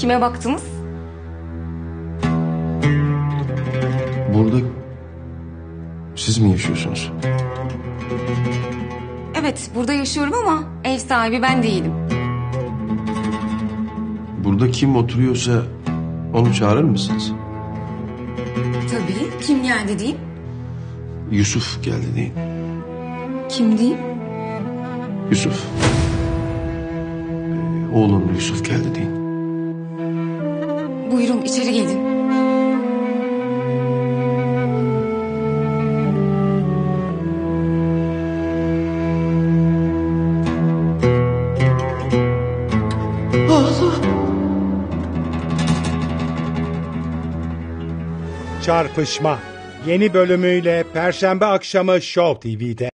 Kime baktınız? Burada siz mi yaşıyorsunuz? Evet, burada yaşıyorum ama ev sahibi ben değilim. Burada kim oturuyorsa onu çağırır mısınız? Tabii. Kim geldi diyeyim? Yusuf geldi deyin. Kim diyeyim? Yusuf. Oğlum Yusuf geldi deyin. Buyurun içeri gelin. Çarpışma yeni bölümüyle Perşembe akşamı Show TV'de.